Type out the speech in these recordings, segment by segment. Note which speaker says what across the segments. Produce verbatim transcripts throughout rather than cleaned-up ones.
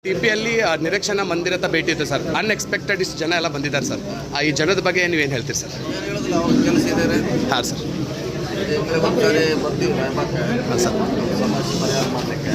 Speaker 1: T ಪಿಯಲ್ಲಿ ನಿರೀಕ್ಷಣಾ ಮಂದಿರದ ಭೇಟಿ ಇತ್ತು ಸರ್. ಅನ್ಎಕ್ಸ್ಪೆಕ್ಟೆಡ್ ಇಷ್ಟು ಜನ ಎಲ್ಲ ಬಂದಿದ್ದಾರೆ ಸರ್. ಈ ಜನದ ಬಗ್ಗೆ ನೀವೇನು ಹೇಳ್ತೀರಿ ಸರ್?
Speaker 2: ಕೆಲಸ ಇದ್ದಾರೆ.
Speaker 1: ಹಾಂ ಸರ್.
Speaker 2: ಬರ್ತೀವಿ
Speaker 1: ಹಾಂ ಸರ್.
Speaker 2: ಸಮಸ್ಯೆ ಪರಿಹಾರ ಮಾಡಲಿಕ್ಕೆ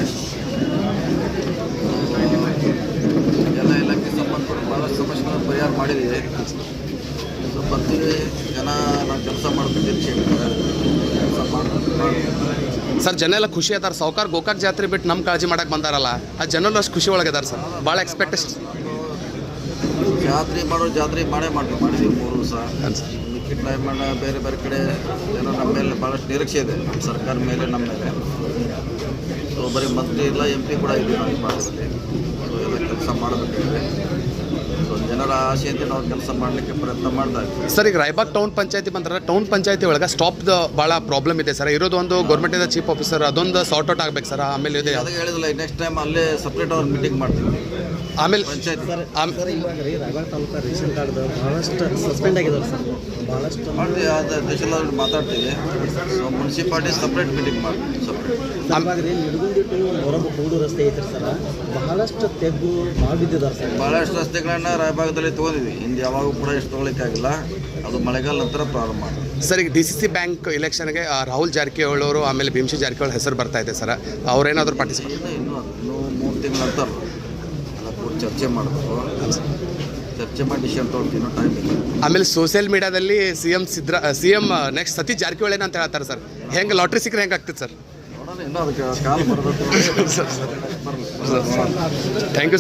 Speaker 2: ಎಲ್ಲ ಇಲಾಖೆ ಸಂಬಂಧಪಟ್ಟ ಭಾಳಷ್ಟು ಸಮಸ್ಯೆಗಳನ್ನು ಪರಿಹಾರ ಮಾಡಿದ್ದೀವಿ. ಸೊ ಬರ್ತೀವಿ, ಜನ ನಾವು ಕೆಲಸ ಮಾಡ್ತಿದ್ದೀವಿ, ಕೆಲಸ ಮಾಡ್ತೀವಿ
Speaker 1: ಸರ್. ಜನ ಎಲ್ಲ ಖುಷಿ ಅದಾರ. ಸಾವುಕಾರ ಗೋಕಾಕ್ ಜಾತ್ರೆ ಬಿಟ್ಟು ನಮ್ಮ ಕಾಳಜಿ ಮಾಡಕ್ಕೆ ಬಂದಾರಲ್ಲ, ಆ ಜನರು ಅಷ್ಟು ಖುಷಿ ಒಳಗಿದ್ದಾರೆ ಸರ್. ಭಾಳ ಎಕ್ಸ್ಪೆಕ್ಟೇಷನ್.
Speaker 2: ಜಾತ್ರೆ ಮಾಡೋ ಜಾತ್ರೆ ಮಾಡೇ ಮಾಡ್ತೀವಿ ಮಾಡಿದ್ದೀವಿ ಮೂರು ದಿವಸ.
Speaker 1: ಹಾಂ ಸರ್.
Speaker 2: ಮಿಕ್ಕಿದ ಟೈಮ್ ಬೇರೆ ಬೇರೆ ಕಡೆ ಏನೋ ನಮ್ಮ ಮೇಲೆ ಭಾಳಷ್ಟು ನಿರೀಕ್ಷೆ ಇದೆ, ನಮ್ಮ ಸರ್ಕಾರ ಮೇಲೆ, ನಮ್ಮ ಮೇಲೆ. ಸೊ ಬರೀ ಮಂತ್ರಿ ಇಲ್ಲ, ಎಂ ಪಿ ಕೂಡ ಇದ್ದೀವಿ ನಾವು ಈ ಭಾಗದಲ್ಲಿ. ಸೊ ಎಲ್ಲ ಕೆಲಸ ಮಾಡಬೇಕಾಗಿದೆ. ಸೊ ಜನರ ಆಶೆಯಿಂದ ನಾವು ಕೆಲಸ ಮಾಡಲಿಕ್ಕೆ ಪ್ರಯತ್ನ ಮಾಡ್ತಾ ಇದ್ದೀವಿ
Speaker 1: ಸರ್. ಈಗ ರಾಯಬಾಗ್ ಟೌನ್ ಪಂಚಾಯತಿ ಬಂದ್ರೆ ಟೌನ್ ಪಂಚಾಯತಿ ಒಳಗೆ ಸ್ಟಾಪ್ದು ಭಾಳ ಪ್ರಾಬ್ಲಮ್ ಇದೆ ಸರ್. ಇರೋದು ಒಂದು ಗೌರ್ಮೆಂಟಿಂದ ಚೀಫ್ ಆಫೀಸರ್, ಅದೊಂದು ಸಾರ್ಟ್ ಔಟ್ ಆಗ್ಬೇಕು ಸರ್. ಆಮೇಲೆ ಇದೆ
Speaker 2: ಅದಕ್ಕೆ ಹೇಳಿದಿಲ್ಲ, ನೆಕ್ಸ್ಟ್ ಟೈಮ್ ಅಲ್ಲೇ ಸಪ್ರೇಟ್ ಅವ್ರು ಮೀಟಿಂಗ್ ಮಾಡ್ತೀವಿ
Speaker 1: ಆಮೇಲೆ
Speaker 2: ಪಂಚಾಯತ್.
Speaker 3: ಸರ್ ಇವಾಗ ರೀ ರಾಯಬಾಗ್ ತಾಲೂಕು ರೇಷನ್ ಕಾರ್ಡ್ ಭಾಳಷ್ಟು ಸಸ್ಪೆಂಡ್ ಆಗಿದ್ದಾರೆ ಸರ್. ಭಾಳಷ್ಟು
Speaker 2: ಮಾಡ್ತೀವಿ, ಅದು ದೇಶದಲ್ಲಿ ಮಾತಾಡ್ತೀವಿ. ಸೊ ಮುನ್ಸಿಪಾಲ್ಟಿ ಸಪ್ರೇಟ್ ಮೀಟಿಂಗ್ ಮಾಡ್ತೀವಿ ಸಪ್ರೇಟ್.
Speaker 3: ಇವಾಗ ರೀ ನಿಡಗುಂದಿ ಟು ಹೊರಬ ಕೂಡು ರಸ್ತೆ ಐತ್ರಿ ಸರ್. ಬಹಳಷ್ಟು ತೆಗ್ಗು ಭಾಳ ಬಿದ್ದಿದ್ದಾರೆ ಸರ್.
Speaker 2: ಭಾಳಷ್ಟು ರಸ್ತೆಗಳನ್ನ ರಾಯಭಾಗದಲ್ಲಿ ತೊಗೊಂಡಿದ್ವಿ. ಹಿಂದೆ ಯಾವಾಗೂ ಕೂಡ ಎಷ್ಟು ತೊಗೊಳಿಕ್ಕಾಗಿಲ್ಲ. ಅದು ಮಳೆಗಾಲ ನಂತರ ಪ್ರಾರಂಭ ಮಾಡ್ತೀವಿ
Speaker 1: ಸರ್. ಈಗ ಡಿ ಸಿ ಸಿ ಬ್ಯಾಂಕ್ ಇಲೆಕ್ಷನ್ಗೆ ರಾಹುಲ್ ಜಾರಕಿಹೊಳಿ ಅವರು ಆಮೇಲೆ ಭೀಮಶಿ ಜಾರಕಿಹೊಳಿ ಹೆಸರು ಬರ್ತಾ ಇದೆ ಸರ್. ಅವ್ರೇನಾದರೂ ಪಾರ್ಟಿಸಿಪೇಟ್
Speaker 2: ಇನ್ನೂ ಇನ್ನೂ ಅದು ಇನ್ನೂ ಮೂರು ತಿಂಗಳ ನಂತರ ಎಲ್ಲ ಕೂಡ ಚರ್ಚೆ ಮಾಡಬೇಕು. ಚರ್ಚೆ ಮಾಡಿ ಡಿಸಿಷನ್ ತೊಗೊಳ್ತೀವಿ, ಇನ್ನೂ ಟೈಮ್ ಇಲ್ಲ.
Speaker 1: ಆಮೇಲೆ ಸೋಷಿಯಲ್ ಮೀಡಿಯಾದಲ್ಲಿ ಸಿ ಎಂ ಸಿದ್ರಾ C M next Satish Jarkiholi ಅಂತ ಹೇಳ್ತಾರೆ ಸರ್. ಹೆಂಗೆ ಲಾಟ್ರಿ ಸಿಕ್ಕರೆ ಹೆಂಗೆ ಆಗ್ತದೆ ಸರ್?
Speaker 2: ನೋಡೋಣ, ಇನ್ನೂ ಅದಕ್ಕೆ ಕಾಲ ಬರೋದು.
Speaker 1: Thank you.